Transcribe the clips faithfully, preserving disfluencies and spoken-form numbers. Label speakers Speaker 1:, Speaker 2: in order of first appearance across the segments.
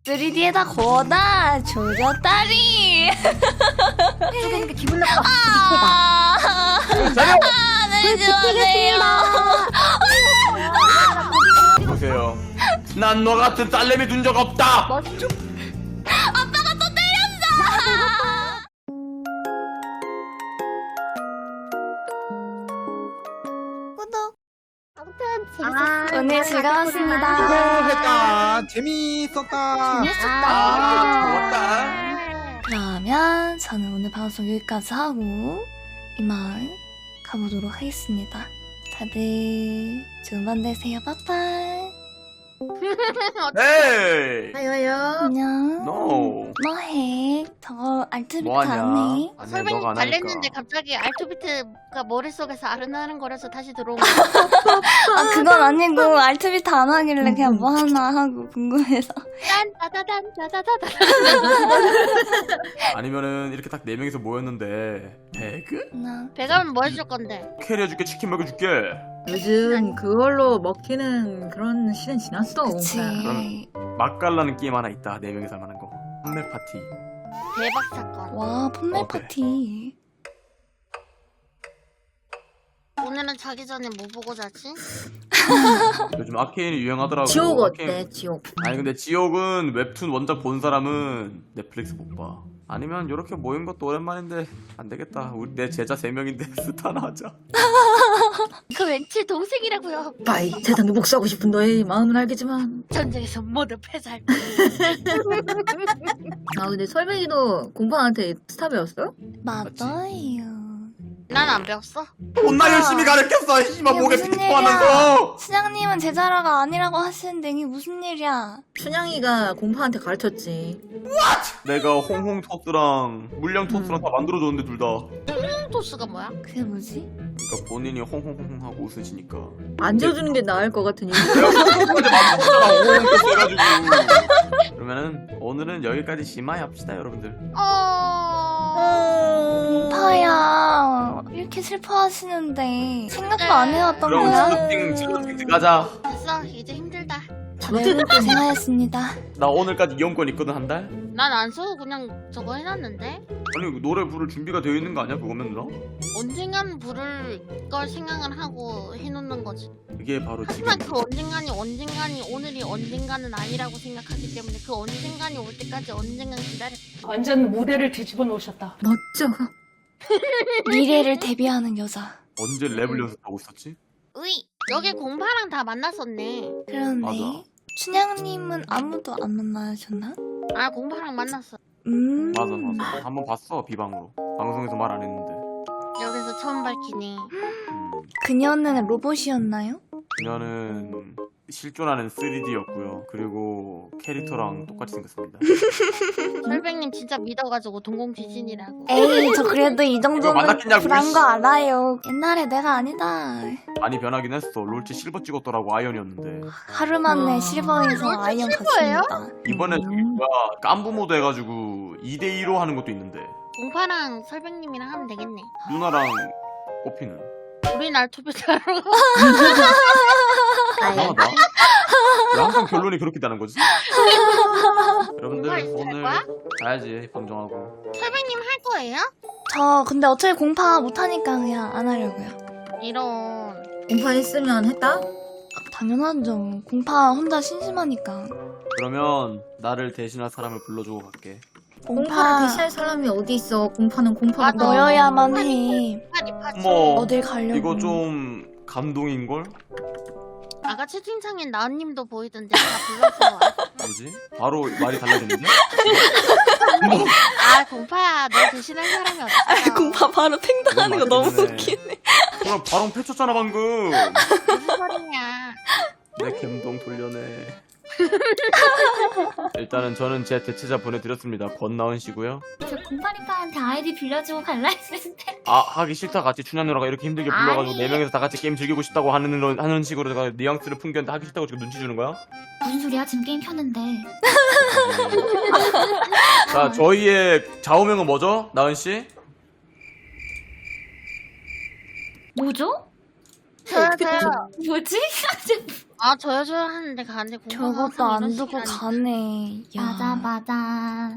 Speaker 1: 쓰리디에다 거다 조졌다리.
Speaker 2: 쪼개니까 기분 나빠.
Speaker 1: 아,
Speaker 3: 자료!
Speaker 1: 네, 좋아해요.
Speaker 3: 보세요. 난 너 같은 딸내미 둔 적 없다.
Speaker 2: 멋져.
Speaker 1: 아빠가 또 때렸어. 구독.
Speaker 2: 아무튼
Speaker 1: 아,
Speaker 2: 재밌었어.
Speaker 1: 오늘 즐거웠습니다.
Speaker 4: 수고했다. 재미있었다.
Speaker 1: 재밌었다.
Speaker 3: 아, 좋았다.
Speaker 1: 그러면 저는 오늘 방송 여기까지 하고 이만 가보도록 하겠습니다. 다들 좋은 밤 되세요. 빠빠이.
Speaker 3: 에이.
Speaker 2: 아요요.
Speaker 1: 안녕.
Speaker 3: No.
Speaker 1: 뭐해? 저거 알트비트
Speaker 3: 뭐하냐?
Speaker 1: 안 해?
Speaker 3: 아니,
Speaker 5: 설명이
Speaker 3: 너가 안 하니까.
Speaker 5: 달랬는데 갑자기 알투비트가 머릿속에서 아른아른 거려서 다시 들어온 거.
Speaker 1: 아 그건 아니고 알트비트 안 하길래 그냥 뭐 하나 하고 궁금해서.
Speaker 5: 딴 따다단 따다다다.
Speaker 3: 아니면은 이렇게 딱 네 명이서 모였는데 배그?
Speaker 1: 나
Speaker 5: 배가면 뭐 해줄 건데?
Speaker 3: 캐리해줄게, 치킨 먹여줄게.
Speaker 2: 요즘 그걸로 먹히는 그런 시대는 지났어.
Speaker 1: 그치.
Speaker 3: 그럼- 맛깔나는 게임 하나 있다. 네 명이서 할 만한 거. 판매 파티.
Speaker 5: 대박 사건.
Speaker 1: 와 폰멜
Speaker 3: 어때?
Speaker 1: 파티.
Speaker 5: 오늘은 자기 전에 뭐 보고 자지?
Speaker 3: 요즘 아케인이 유행하더라고.
Speaker 2: 지옥
Speaker 3: 아케인-
Speaker 2: 어때? 지옥.
Speaker 3: 아니 근데 지옥은 웹툰 원작 본 사람은 넷플릭스 못 봐. 아니면 이렇게 모인 것도 오랜만인데 안 되겠다. 우리 내 제자 세 명인데 스타 하나 하자.
Speaker 5: 그 왠지 동생이라고요.
Speaker 2: 빠이 세상에 복수하고 싶은 너의 마음은 알겠지만.
Speaker 5: 전쟁에서 모두 패살.
Speaker 2: 아 근데 설명이도 공파한테 스타 배웠어?
Speaker 1: 맞아요.
Speaker 5: 난 안 배웠어.
Speaker 3: 존나 열심히 가르쳤어. 씨발
Speaker 1: 이게
Speaker 3: 목에
Speaker 1: 무슨
Speaker 3: 피투하면서.
Speaker 1: 시장님은 제자라가 아니라고 하시는데 이게 무슨 일이야?
Speaker 2: 춘향이가 공파한테 가르쳤지.
Speaker 3: 내가 홍홍 토스랑 물량 토스랑 다 만들어줬는데 둘 다.
Speaker 5: 토스가 뭐야?
Speaker 1: 그게 뭐지?
Speaker 3: 그러니까 본인이 홍홍홍 하고 웃으시니까.
Speaker 2: 안 지어주는 게 나을 것 같으니.
Speaker 3: 내가 그거까지 만들었잖아. 홍홍 토스 해가지고. 그러면은 오늘은 여기까지 심하이 합시다 여러분들.
Speaker 5: 어.
Speaker 1: 파야 이렇게 슬퍼하시는데 생각도 안 해왔던
Speaker 3: 그럼
Speaker 1: 거야?
Speaker 3: 슬로팅 슬로팅 가자.
Speaker 5: 됐어. 이제 힘들다.
Speaker 1: 네, 고생하셨습니다.
Speaker 3: 나 오늘까지 이용권 있거든 한 달.
Speaker 5: 난 안 써도 그냥 저거 해놨는데.
Speaker 3: 아니 노래 부를 준비가 되어 있는 거 아니야 그거면 누나?
Speaker 5: 언젠간 부를 걸 생각을 하고 해놓는 거지.
Speaker 3: 이게 바로 지금.
Speaker 5: 하지만 그 언젠간이 언젠간이 오늘이 언젠가는 아니라고 생각하기 때문에 그 언젠간이 올 때까지 언젠간 기다려.
Speaker 6: 완전 무대를 뒤집어 놓으셨다.
Speaker 2: 멋져.
Speaker 1: 미래를 대비하는 여자.
Speaker 3: 언제 랩을 연습하고 있었지?
Speaker 5: 으이 여기 공파랑 다 만났었네.
Speaker 1: 그러네.
Speaker 3: 맞아.
Speaker 1: 춘향님은 아무도 안 만나셨나?
Speaker 5: 아 공파랑 만났어.
Speaker 1: 음.
Speaker 3: 맞아 맞아. 한번 봤어 비방으로. 방송에서 말 안 했는데.
Speaker 5: 여기서 처음 밝히니.
Speaker 3: 음,
Speaker 1: 그녀는 로봇이었나요?
Speaker 3: 그녀는 실존하는 쓰리디였고요. 그리고 캐릭터랑 똑같이 생겼습니다.
Speaker 5: 설백님 진짜 믿어가지고 동공지진이라고.
Speaker 1: 에이 저 그래도 이
Speaker 3: 이거
Speaker 1: 정도는
Speaker 3: 만났겠냐고,
Speaker 1: 불안
Speaker 3: 이씨.
Speaker 1: 거 알아요. 옛날에 내가 아니다.
Speaker 3: 많이 변하긴 했어. 롤치 실버 찍었더라고 아이언이었는데.
Speaker 1: 하루 만에
Speaker 2: 와.
Speaker 1: 실버에서
Speaker 5: 롤치
Speaker 1: 아이언
Speaker 5: 실버예요?
Speaker 1: 갔습니다.
Speaker 3: 이번에
Speaker 2: 음.
Speaker 3: 저기가 깐부 모드 해가지고 이 대 이로 하는 것도 있는데
Speaker 5: 공파랑 설백님이랑 하면 되겠네.
Speaker 3: 누나랑 꼬피는
Speaker 5: 우리 날 투표하러 가.
Speaker 3: 이상하다. 왜 항상 결론이 그렇게 되는 거지? 여러분들
Speaker 5: 공파 있을
Speaker 3: 오늘
Speaker 5: 거야?
Speaker 3: 가야지 방송하고.
Speaker 5: 설백님 할 거예요?
Speaker 1: 저 근데 어차피 공파 못하니까 그냥 안 하려고요.
Speaker 5: 이런.
Speaker 2: 공파 했으면 했다?
Speaker 1: 당연하죠. 공파 혼자 심심하니까.
Speaker 3: 그러면 나를 대신할 사람을 불러주고 갈게.
Speaker 2: 공파를
Speaker 1: 공파
Speaker 2: 대신할 사람이 어디 있어? 공파는 공파가
Speaker 5: 맞아.
Speaker 1: 너여야만 해.
Speaker 5: 파리파리.
Speaker 3: 어머
Speaker 1: 어딜 가려고.
Speaker 3: 이거 좀 감동인걸?
Speaker 5: 아까 채팅창엔 나은님도 보이던데 다 불러서.
Speaker 3: 뭐지? 바로 말이 달라졌는데?
Speaker 5: 아 공파야 너 대신할 사람이 없어.
Speaker 1: 공파 바로 팽당하는 거
Speaker 3: 이건
Speaker 1: 너무
Speaker 3: 맞긴 해.
Speaker 1: 웃기네.
Speaker 3: 그럼 바로 패쳤잖아 방금.
Speaker 5: 무슨 소리냐.
Speaker 3: 내 감동 돌려내. 일단은 저는 제 대체자 보내드렸습니다. 권나은 씨고요.
Speaker 7: 저 공파리파한테 아이디 빌려주고 갈라 했는데
Speaker 3: 아 하기 싫다 같이 춘향 누나가 이렇게 힘들게 불러가지고
Speaker 7: 아니.
Speaker 3: 네 명이서 다 같이 게임 즐기고 싶다고 하는 로- 하는 식으로 내가 뉘앙스를 풍겼는데 하기 싫다고 지금 눈치 주는 거야?
Speaker 7: 무슨 소리야? 지금 게임 켰는데.
Speaker 3: 자 저희의 좌우명은 뭐죠? 나은 씨?
Speaker 7: 뭐죠?
Speaker 5: 저요 저요.
Speaker 7: 뭐지?
Speaker 5: 아 저요 저요 하는데 가는데 공부가
Speaker 1: 저것도
Speaker 5: 항상
Speaker 1: 안
Speaker 5: 이런
Speaker 1: 두고
Speaker 5: 식이라니까.
Speaker 1: 가네. 야.
Speaker 7: 맞아 맞아.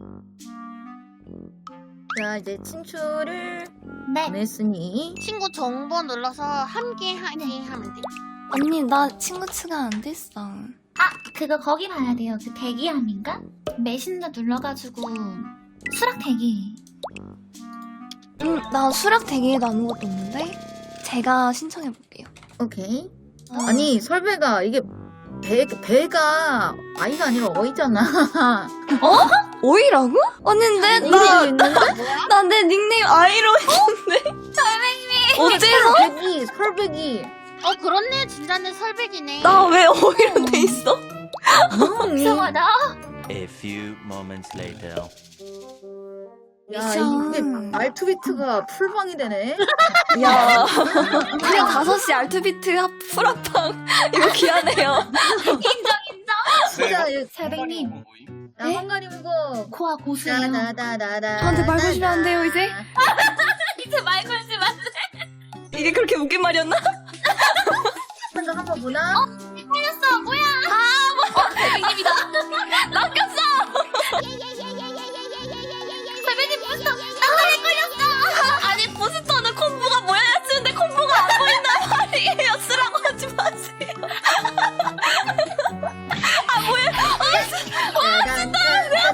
Speaker 2: 자 이제 친추를
Speaker 7: 네.
Speaker 2: 보냈으니
Speaker 5: 친구 정보 눌러서 함께 하기 하면 돼.
Speaker 1: 언니 나 친구 추가 안 됐어.
Speaker 7: 아 그거 거기 봐야 돼요. 그 대기함인가? 메신저 눌러가지고 수락 대기.
Speaker 1: 음, 나 수락 대기에도 아무것도 없는데? 제가 신청해 볼게요.
Speaker 2: 오케이. 아니 설배가 이게 배 배가 아이가 아니라 어이잖아.
Speaker 1: 오이라고? 언니인데 나 나 내 닉네임 아이로 했는데. 어째서?
Speaker 2: 설배기 설배기.
Speaker 5: 어 그렇네 진짜 내 설백이네.
Speaker 1: 나 왜 오이로 돼 있어?
Speaker 2: 음,
Speaker 7: 이상하다.
Speaker 8: A few moments later.
Speaker 2: 야
Speaker 1: 미션.
Speaker 2: 이게 알투비트가 풀방이 되네.
Speaker 1: 야, 그냥 다섯 시 알투비트 합 풀합방 이거 귀하네요.
Speaker 2: 진짜 이
Speaker 7: 설백님
Speaker 2: 나 한가리 보고
Speaker 7: 코아 고수예요.
Speaker 2: 다다다다다.
Speaker 1: 저한테 말 거시면 안 돼요 이제?
Speaker 7: 이제 말 걸지 마.
Speaker 1: 이게 그렇게 웃긴 말이었나?
Speaker 2: 한거 한번 보나?
Speaker 7: 걸렸어. 뭐야? 아 뭐야? 설백님이다. 낚였어. 설백님 부스터. 나에 걸렸어.
Speaker 1: 아니 부스터는 콤보가 뭐야 쓰는데 콤보가 안 보인단 말이에요. 쓰라고 하지 마세요.
Speaker 2: 내가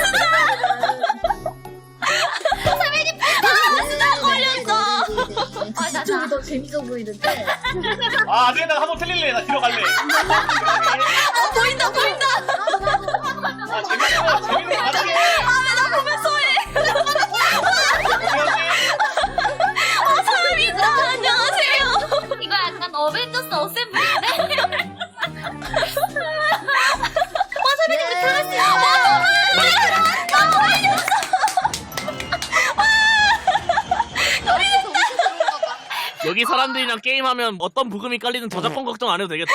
Speaker 7: 걸렸어. 아, 나-
Speaker 2: 이쪽이 더 재밌어 보이는데.
Speaker 9: 아, 안 되겠다. 한번 틀릴래. 나 뒤로 갈래.
Speaker 1: 어 보인다 보인다.
Speaker 9: 아, 재밌는 거, 재밌는 거 같아.
Speaker 1: 나 보면 소해. 사람이다. 안녕하세요.
Speaker 7: 이거 약간 어벤져스 어셈블인데?
Speaker 9: 여기 사람들이랑 게임하면 어떤 부금이 깔리는 저작권 걱정 안 해도 되겠다.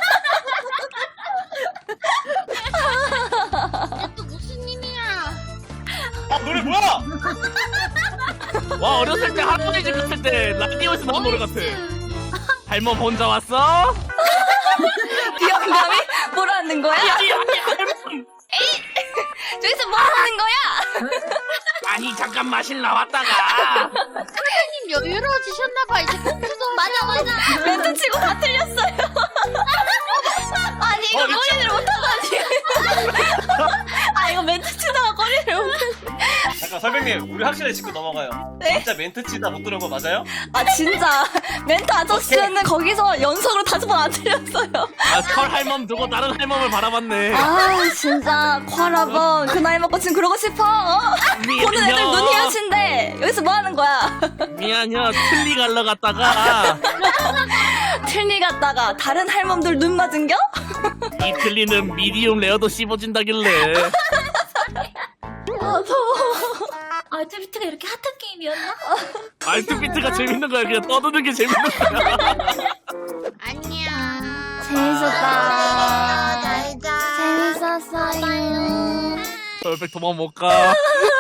Speaker 5: 얘또 무슨 님이야?
Speaker 9: 아, 노래 뭐야? 와, 어렸을 때 할머니 집 있을 때 라디오에서 나온 노래 같아. 할멈 혼자 왔어?
Speaker 1: 비영감이 뭐라는 거야?
Speaker 9: 아니, 아니, 할멈.
Speaker 1: 저기서 뭐 하는 거야?
Speaker 9: 아니, 잠깐 마실 나왔다가.
Speaker 5: 님 여유로워지셨나봐 이제 컴퓨터.
Speaker 7: 맞아, 맞아.
Speaker 1: 멘트 치고 다 틀렸어요. 아니 이거
Speaker 9: 어, 미쳐.
Speaker 1: 꼬리를 못하다니. 아 이거 멘트 치다가 꼬리를 못.
Speaker 9: 잠깐, 설백님, 우리 확실히 짚고 넘어가요.
Speaker 1: 네?
Speaker 9: 진짜 멘트 치다 못 들은 거 맞아요?
Speaker 1: 아 진짜 멘트 아저씨는 거기서 연속으로 다섯 번 안 틀렸어요.
Speaker 9: 아, 설 할멈 두고 다른 할멈을 바라봤네.
Speaker 1: 아 진짜 쿼라번 그 나이 먹고 지금 그러고 싶어? 어? 보는 애들 눈 희어친데 여기서 뭐 하는 거야?
Speaker 9: 미안해요. 틀리 갈러 갔다가
Speaker 1: 틀니 갔다가 다른 할멈들 눈 맞은겨?
Speaker 9: 이 틀리는 미디움 레어도 씹어진다길래.
Speaker 1: 아 더워.
Speaker 7: 알트비트가 이렇게 핫한 게임이었나?
Speaker 9: 알트비트가 재밌는 거야. 그냥 떠드는 게 재밌는 거야.
Speaker 5: 안녕.
Speaker 1: 재밌었다.
Speaker 5: 잘자.
Speaker 1: 재밌었어요.
Speaker 9: 설백 도망 못 가.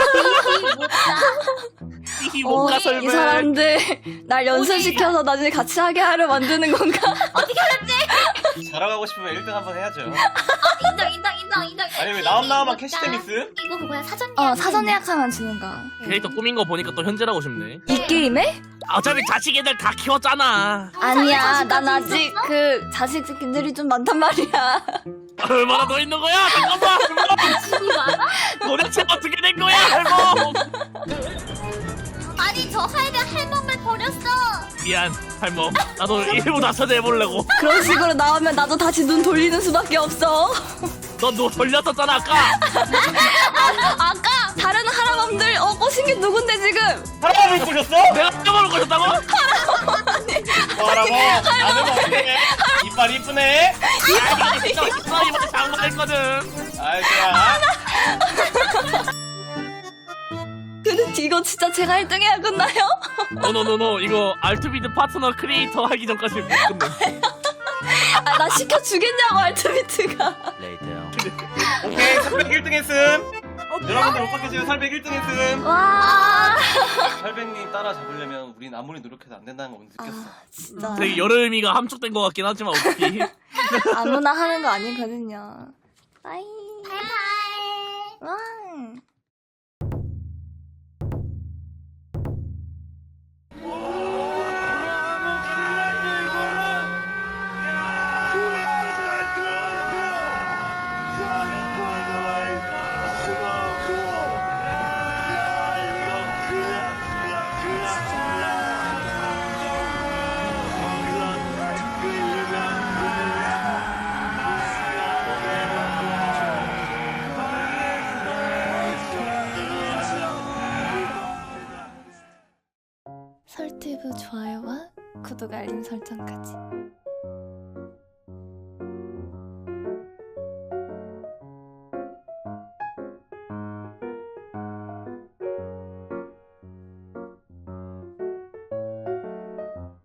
Speaker 9: 히히 못
Speaker 1: 어,
Speaker 9: 가,
Speaker 1: 이
Speaker 9: 설백.
Speaker 1: 사람들 날 연습시켜서 나중에 같이 하게 하려 만드는 건가?
Speaker 9: 자랑하고 싶으면 일 등 한번 해야죠.
Speaker 7: 인정, 인정, 인정, 인정.
Speaker 9: 아니, 왜 나온 나오만 캐시데미스?
Speaker 7: 이거 그거야, 사전
Speaker 1: 어
Speaker 7: 예약.
Speaker 1: 사전 예약하면 주는 거.
Speaker 9: 캐릭터 꾸민 거 보니까 또 현질하고 싶네.
Speaker 1: 이 게임에?
Speaker 9: 어차피 자식 애들 다 키웠잖아.
Speaker 1: 아니야, 난 아직 그 자식들이 좀 많단 말이야.
Speaker 9: 얼마나 더 있는 거야? 잠깐만.
Speaker 7: 집이 많아?
Speaker 9: 도대체 어떻게 된 거야, 할멈?
Speaker 7: 아니, 저 하이드 할멈을 버렸어.
Speaker 9: 미안, 할멈. 나도 일부 나서자 해보려고.
Speaker 1: 그런 식으로 나오면 나도 다시 눈 돌리는 수밖에 없어.
Speaker 9: 너 너 돌렸었잖아, 아까.
Speaker 1: 아까 다른 할아범들 어 꼬신 게 누군데 지금?
Speaker 9: 할멈을 꼬셨어? 내가 할멈을 꼬셨다고? 할아버, 나는 어때? 이빨 이쁘네? 이빨 이쁘네. 이빨 장난했거든. 아이, 좋아.
Speaker 1: 근데 이거 진짜 제가 일 등 해야 끝나요?
Speaker 9: 노노노노, 이거 알투비드 파트너 크리에이터 하기 전까지 못 끝내.
Speaker 1: 아, 나 시켜주겠냐고 알트비트가.
Speaker 8: Later.
Speaker 9: 오케이, 삼백 일 등 했음. 여러분들 못 받겠어요. 설백 일 등 했음.
Speaker 1: 와.
Speaker 9: 설백님 따라 잡으려면 우린 아무리 노력해도 안 된다는 거 오늘 느꼈어.
Speaker 1: 아 진짜
Speaker 10: 되게 여름이가 함축된 것 같긴 하지만 어떻게
Speaker 1: 아무나 하는 거 아니거든요. 빠이.
Speaker 7: 바이바이.
Speaker 1: 와. 설티브 좋아요와 구독 알림 설정까지.